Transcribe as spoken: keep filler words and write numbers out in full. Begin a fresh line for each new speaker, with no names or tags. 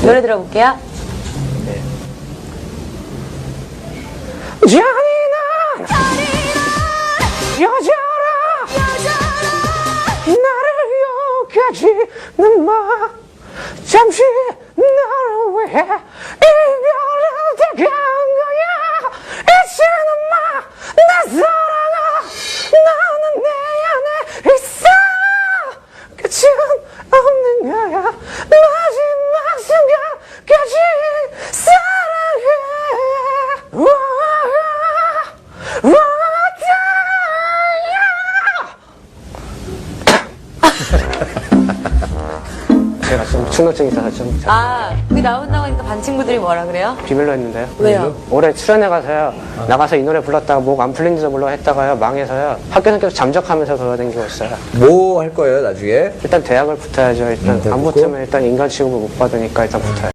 노래 들어볼게요.
네.
잔인한 여자라 나를 욕하지는 마 잠시 나를 위해 이별을 택한 거야 이제는 마 내 사랑아 나는 내 안에 있어 끝은 없는 거야 마지막 순간까지 사랑해 우와, 우와, 제가 좀 충동증이 있어서 좀
아, 그게 나온다고 하니까 반 친구들이 뭐라 그래요?
비밀로 했는데요.
왜요?
올해 출연해 가서요. 나가서 이 노래 불렀다가 목 안 풀린지도 몰라 했다가요. 망해서요. 학교는 계속 잠적하면서 돌아다니고 있어요.
뭐 할 거예요, 나중에?
일단 대학을 붙어야죠. 일단
음, 대학
안
붙고?
붙으면 일단 인간 취급을 못 받으니까 일단 붙어요.